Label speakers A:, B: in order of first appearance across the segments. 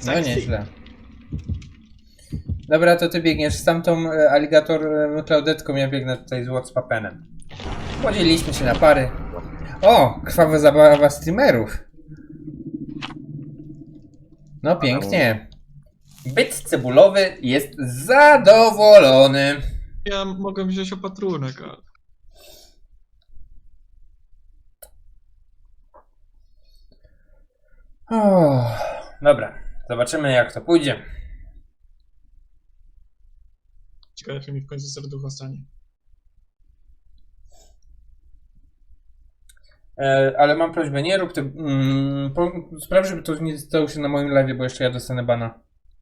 A: No nieźle. Dobra, to ty biegniesz z tamtą aligator Klaudetką, ja biegnę tutaj z Watchpapenem. Podzieliliśmy się na pary. O, krwawa zabawa streamerów. No pięknie. Byt cebulowy jest zadowolony.
B: Ja mogę wziąć opatrunek, ale...
A: O, dobra, zobaczymy jak to pójdzie.
B: Ciekawe, jak mi w końcu serducho stanie.
A: Ale mam prośbę, nie rób ty... spraw, żeby to nie stało się na moim live, bo jeszcze ja dostanę bana.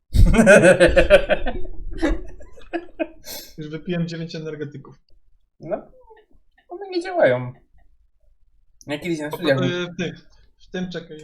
B: Już wypiłem 9 energetyków.
A: No, one nie działają. Ja kiedyś na studiach...
B: W tym czekaj.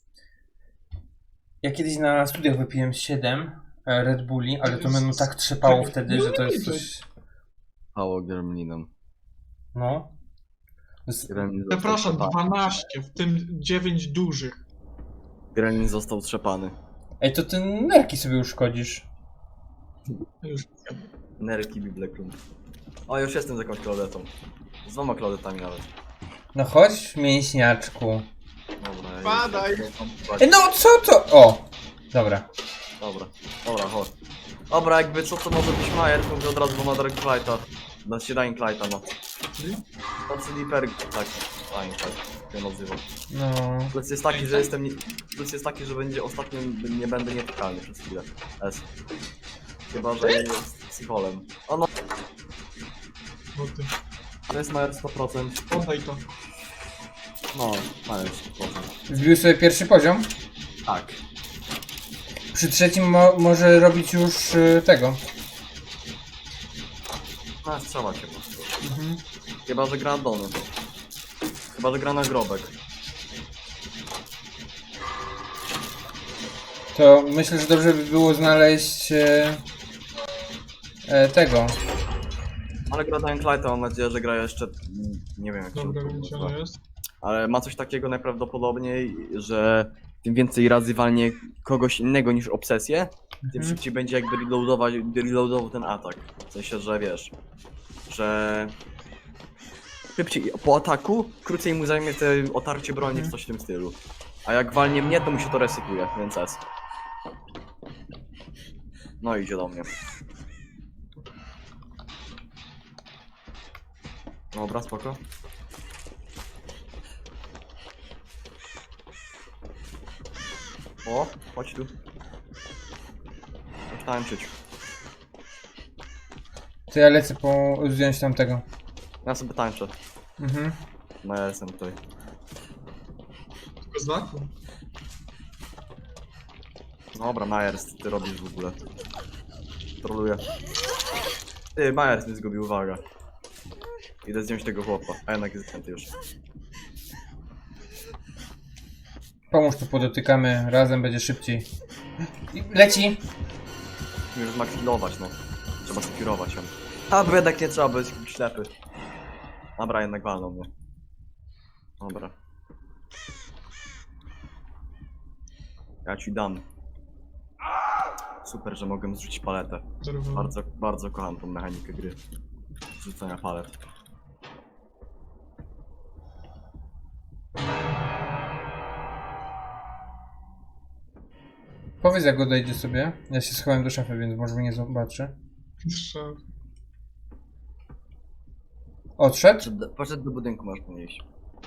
A: Ja kiedyś na studiach wypiłem 7 Red Bulli, ale to menu tak trzepało wtedy, że to jest coś...
C: Hało gremlinom.
A: No.
B: Przepraszam, 12, w tym 9 dużych.
C: Gremlin został trzepany.
A: Ej, to ty nerki sobie uszkodzisz.
B: Już.
C: Nerki Biblekrum. O, już jestem z jakąś Klaudetą. Z 2 Klaudetami nawet.
A: No chodź, mięśniaczku.
C: Dobra, ja
B: Padaj.
A: Ej, no co to? O! Dobra.
C: Dobra, chodź. Dobra, jakby co może być Majer, to mówię od razu, bo ma Dark Flighta. Znaczy Dying Flighta, no. To Sleeper, tak, Dying Flight, się nazywa.
A: No.
C: Plus jest taki, że jestem plus jest taki, że będzie ostatnio nie będę nietykalny przez chwilę. S. Chyba, że jest psycholem. O no,
B: Bo ty.
C: to jest Majer 100%.
B: Oddaj to.
C: No, Majer 100%.
A: Wbił sobie pierwszy poziom.
C: Tak.
A: Przy trzecim może robić już tego.
C: No, strzała się po prostu. Chyba, że gra Dony. Chyba, że gra na grobek.
A: To myślę, że dobrze by było znaleźć tego.
C: Ale gra Dying Lighta, mam nadzieję, że gra jeszcze... Nie wiem jak się
B: Dobra,
C: to
B: wiem gdzie
C: nazywa.
B: ona jest.
C: Ale ma coś takiego najprawdopodobniej, że tym więcej razy walnie kogoś innego niż obsesję, tym szybciej będzie jakby reloadował ten atak. W sensie, że wiesz, że szybciej po ataku, krócej mu zajmie te otarcie broni czy coś w tym stylu. A jak walnie mnie, to mu się to resypuje, więc S. No idzie do mnie. Dobra, spoko. O, chodź tu. Chodź tańczyć.
A: To ja lecę wziąć tamtego.
C: Ja sobie tańczę. No ja jestem tutaj.
B: Tylko z laku.
C: Dobra, Majers, co ty robisz w ogóle? Troluję. Ty, Majers nie zgubił, uwaga. Idę zdjąć tego chłopa, a jednak jest zdjęty już.
A: Pomóż tu podotykamy, razem będzie szybciej. Leci!
C: Już zmaxilować, no. Trzeba sekurować ją. A, bo jednak nie trzeba, bo jest jakiś ślepy. Dobra, jednak walną mnie. Dobra. Ja ci dam. Super, że mogłem zrzucić paletę. Bardzo kocham tą mechanikę gry. Zrzucenia palet.
A: Powiedz jak odejdzie sobie. Ja się schowałem do szafy, więc może mnie nie zobaczy.
B: Strzał.
A: Odszedł?
C: Poszedł do budynku, masz po niej iść.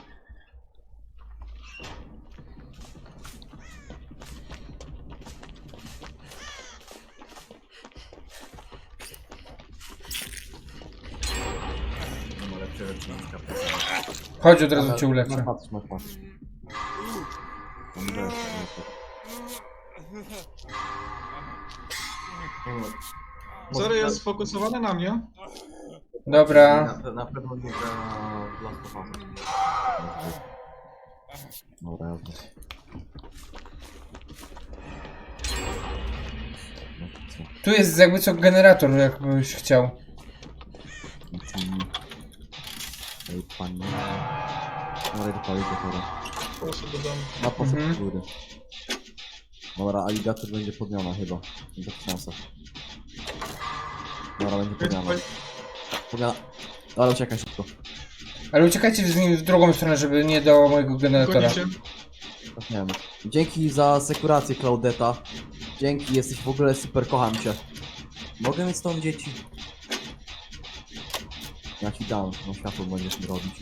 C: No, lepsze rzeczy na skarbce.
A: Chodź, od razu cię uleczę.
C: Patrz.
B: Zero jest sfokusowany na mnie.
A: Dobra.
C: Na pewno nie gra dla spochodu. Dobra, jasne.
A: Tu jest jakby co generator, jakbyś chciał.
C: Ej, panie. Ale dopalić do chora.
B: Proszę do domu.
C: Na poszedł góry. Dobra, aligator będzie podmiana chyba. Nie tak szansa. Dobra, będzie podmiana. Podmiana. Dobra, uciekaj szybko.
A: Ale uciekajcie z nim w drugą stronę, żeby nie do mojego generatora.
B: Gonicie.
C: Tak nie wiem. Dzięki za sekurację, Claudeta. Dzięki, jesteś w ogóle super, kocham cię. Mogę mieć stąd dzieci? Ja ci dam, no światło będziesz mi robić.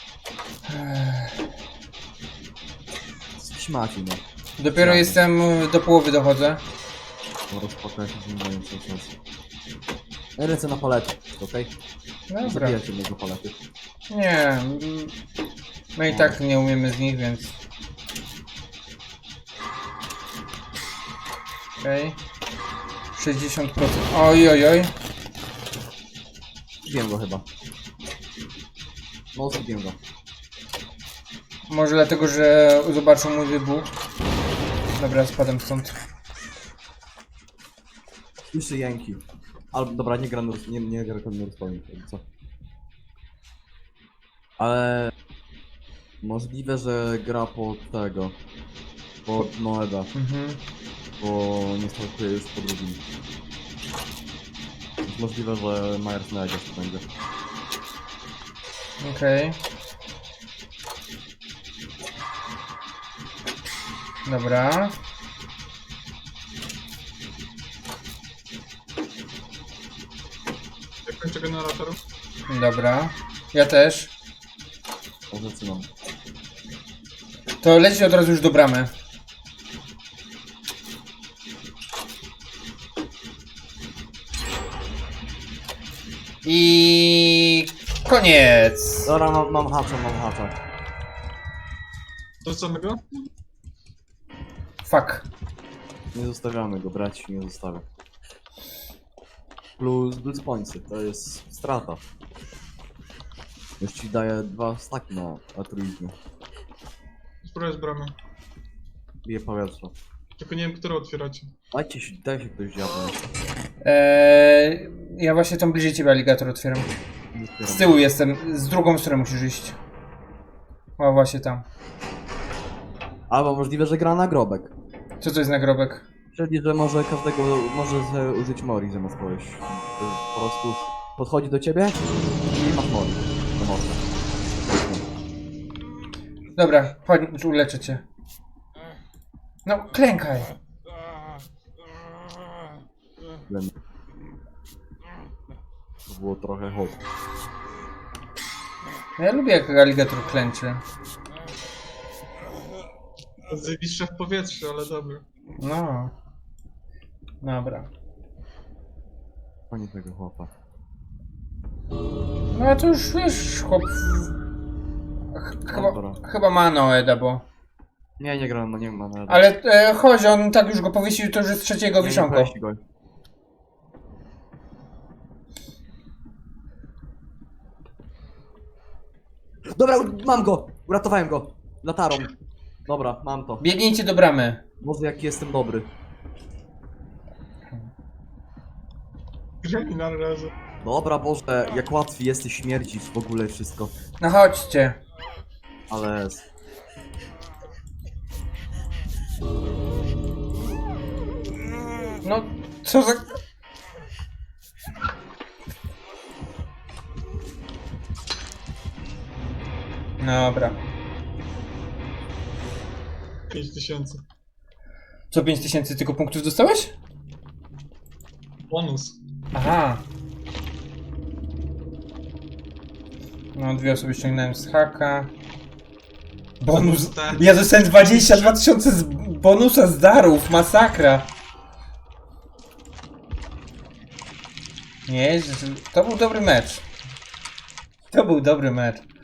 C: Śmaci, no.
A: Dopiero jestem do połowy dochodzę.
C: No rozpokaj się z nim moim cały czas. Ja lecę na palety, okej? Nie
A: Dobra.
C: zabijajcie mojego palety.
A: Nie. My i tak nie umiemy z nich, więc... Okej. 60%. Oj, oj, oj.
C: Zbiłem go chyba. No, zbiłem go.
A: Może dlatego, że zobaczył mój wybuch. Dobra, spadam stąd.
C: Słyszy jęki. Albo, dobra, nie gra nie gra Nurspawning, co? Ale... Możliwe, że gra pod tego. Pod Noeda,
A: Mhm.
C: bo nie startuje już po drugim. Jest możliwe, że Myers na Egas będzie.
A: Okej. Dobra.
B: Ja kończę generator.
A: Dobra. Ja też.
C: Może zaczynam.
A: To leci od razu już do bramy. I koniec.
C: Dobra, mam hacza.
B: Do samego?
A: Fuck.
C: Nie zostawiamy go, brać nie zostawiam. Plus Blitz Pointsy, to jest strata. Już ci daję 2 staki na altruizmie.
B: Spróbuję z bramy.
C: Bije powietrze.
B: Tylko nie wiem, które otwieracie.
C: Daj się ktoś diabłem.
A: Ja właśnie tam bliżej ciebie aligator otwieram. Z tyłu jestem, z drugą stronę musisz iść. O, właśnie tam.
C: Albo możliwe, że gra na grobek.
A: Co to jest nagrobek?
C: Czyli, że może każdego, może sobie użyć Mori zamiast kogoś. Po prostu podchodzi do ciebie i masz Mori. No można.
A: Dobra, chodź, uleczę cię. No, klękaj.
C: To było trochę hot.
A: No, ja lubię jak aligator klęczy.
B: Zawiszę w powietrzu, ale dobra.
A: No. Dobra.
C: Pani tego chłopa.
A: No a to już wiesz, chłop...
C: Dobra.
A: Chyba ma Noeda, bo...
C: Nie gra, no nie ma nawet.
A: Ale chodź, on tak już go powiesił, to już jest trzeciego wiszonko.
C: Dobra, mam go! Uratowałem go! Latarą. Dobra, mam to.
A: Biegnijcie do bramy.
C: Boże, jaki jestem dobry.
B: Gremi na razie.
C: Dobra, Boże, jak łatwiej jesteś śmierdzić w ogóle wszystko.
A: No chodźcie.
C: Ale...
A: No, co za... Dobra.
B: 5000.
A: Co, 5000 tylko punktów dostałeś?
B: Bonus.
A: Aha. No, 2 osoby ściągnąłem z haka. Bonus. Ja dostałem 22 000 z bonusa z darów. Masakra. Nie, to był dobry mecz. To był dobry mecz.